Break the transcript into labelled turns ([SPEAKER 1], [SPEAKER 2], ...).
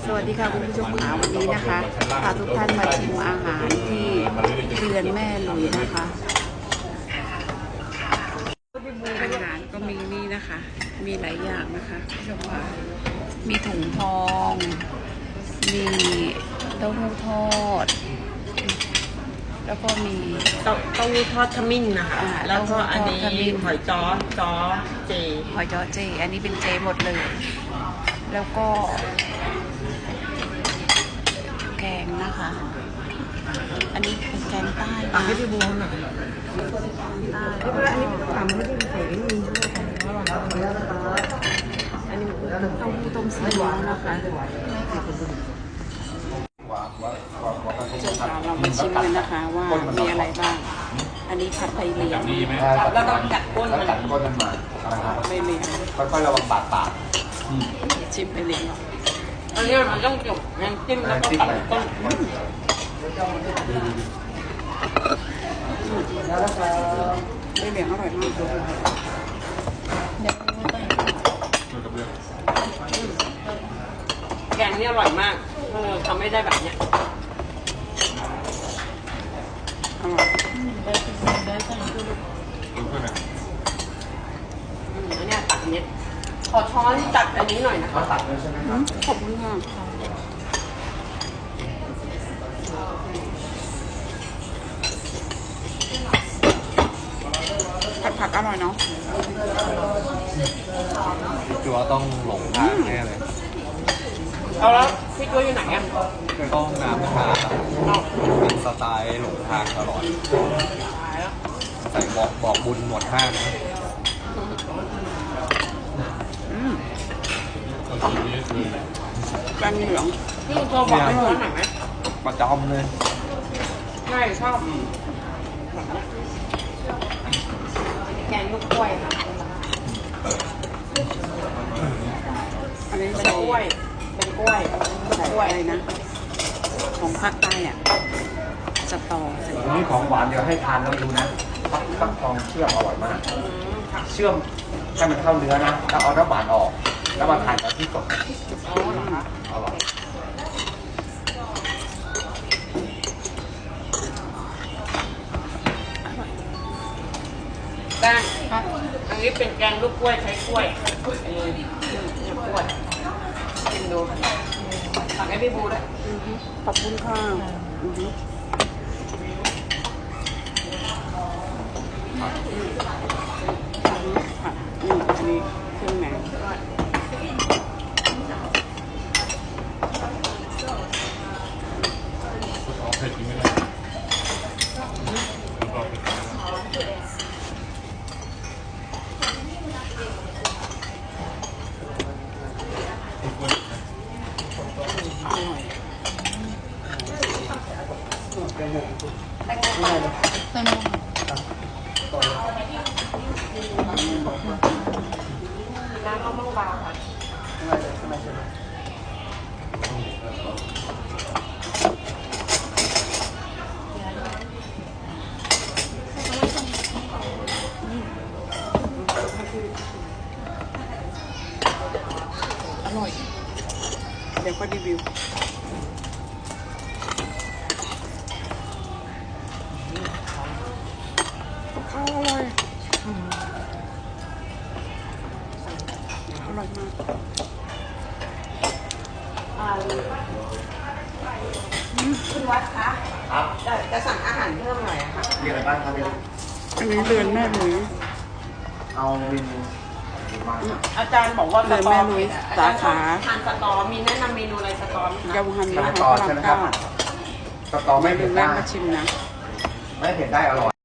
[SPEAKER 1] สวัสดีค่ะคุณผู้ชมค่ะวันนี้นะคะพาทุกท่านมาชิมอาหารที่เรือนแม่หลุยนะคะอาหารก็มีนี่นะคะ มีหลายอย่างนะคะคุณผู้ชมค่ะมีถุงทองมีเต้าหู้ทอดแล้วก็มี
[SPEAKER 2] เต้าหู้ทอดขมิ้นนะคะแล้วก็อันนี้หอยจ้อเจ
[SPEAKER 1] หอยจ้อเจอันนี้เป็นเจหมดเลยแล้วก็แกงนะคะ อันนี้เป็นแกงใต้นะ
[SPEAKER 2] ให้พี่บูหน่อยอันนี้ถามไม่ได้ใส่ไม่มี
[SPEAKER 1] อันนี้เต้าหู้ต้มซีอิ๊วนะคะเรามาชิมกันนะคะว่ามีอะไรบ้าง อันนี้ผัดไทยเหลียง
[SPEAKER 2] แล้วต้องกัดก้นมัน
[SPEAKER 3] มา
[SPEAKER 1] ไม่เหลียง
[SPEAKER 3] ค่อยๆระวังปาก
[SPEAKER 1] ชิมไปเหลียง
[SPEAKER 2] อันนี้มันต้องจบน้ำจิ้มแล้วก็ตัดก้น
[SPEAKER 1] ไม่เหลียงอร่อยมาก
[SPEAKER 2] แกงนี่อร่อยมากทำไม่ได้แบบเนี้ย
[SPEAKER 1] อร่อย
[SPEAKER 2] อันนี้ตักเนี้ยขอช้อนตักอันนี้หน่อยนะคะ
[SPEAKER 3] ตักเลยใช่ไหมครับ
[SPEAKER 1] ขอบคุณค่ะผัดอร่อยเนาะ
[SPEAKER 3] คือว่าต้องหลงทางแน่เลย
[SPEAKER 2] เอาแล้วพี่ตัวอยู่ไหนอ่ะ
[SPEAKER 3] ต้องน้ำนะคะเป็นสไตล์หลงทางตลอดใส่บอกบุญหมดห้าง
[SPEAKER 1] แกงเหลือง
[SPEAKER 2] พี่ตัวบอกให้ช้อนหน่อยไหม
[SPEAKER 3] ประจำเลย
[SPEAKER 2] ใช่ชอบแกงลูกกล้วยค่ะ
[SPEAKER 1] อันนี้
[SPEAKER 2] เป็นกล้วย
[SPEAKER 1] ใส่อะไรนะของภาคใต้อ่ะสตอใส่
[SPEAKER 3] นี่ของหวานเดี๋ยวให้ทานแล้วดูนะฟักทองเชื่อมอร่อยมากเชื่อมให้มันเข้าเนื้อนะแล้วเอาน้ำหวานออกแล้วมาทานกับที่สด
[SPEAKER 2] อ๋อเหรอคะ
[SPEAKER 3] อร่อย
[SPEAKER 2] แกงอันนี้เป็นแกงลูกกล้วยใช้กล้วยกล้วยกินดูสั่งให้พี่บูด้วย
[SPEAKER 1] ขอบคุณค่ะอันนี้เครื่องไหน
[SPEAKER 2] น้ำมะม่วงบาง
[SPEAKER 1] อร่อยเดี๋ยวก็รีวิวข้าวอร่อยอร่อยมาก
[SPEAKER 2] คุณวัดคะจะสั่งอาหารเพิ่มหน่อยค่ะ
[SPEAKER 3] มีอะไรบ้างครับ
[SPEAKER 1] อันนี้เรือนแม่หลุย
[SPEAKER 3] เอาเมนู
[SPEAKER 2] อาจารย์บอกว่า
[SPEAKER 1] เรือนแม่หลุยสาขา
[SPEAKER 2] ทานสตอมีแนะนำเมนูอะไรสตอย
[SPEAKER 1] ำฮันนะคะ
[SPEAKER 3] สตอใช่ไหมครับสตอไม่
[SPEAKER 1] เรื
[SPEAKER 3] เผ็
[SPEAKER 1] อน
[SPEAKER 3] ด
[SPEAKER 1] แม่
[SPEAKER 3] ได้
[SPEAKER 1] มาชิมนะ
[SPEAKER 3] ไม่เผ็ดได้อร่อย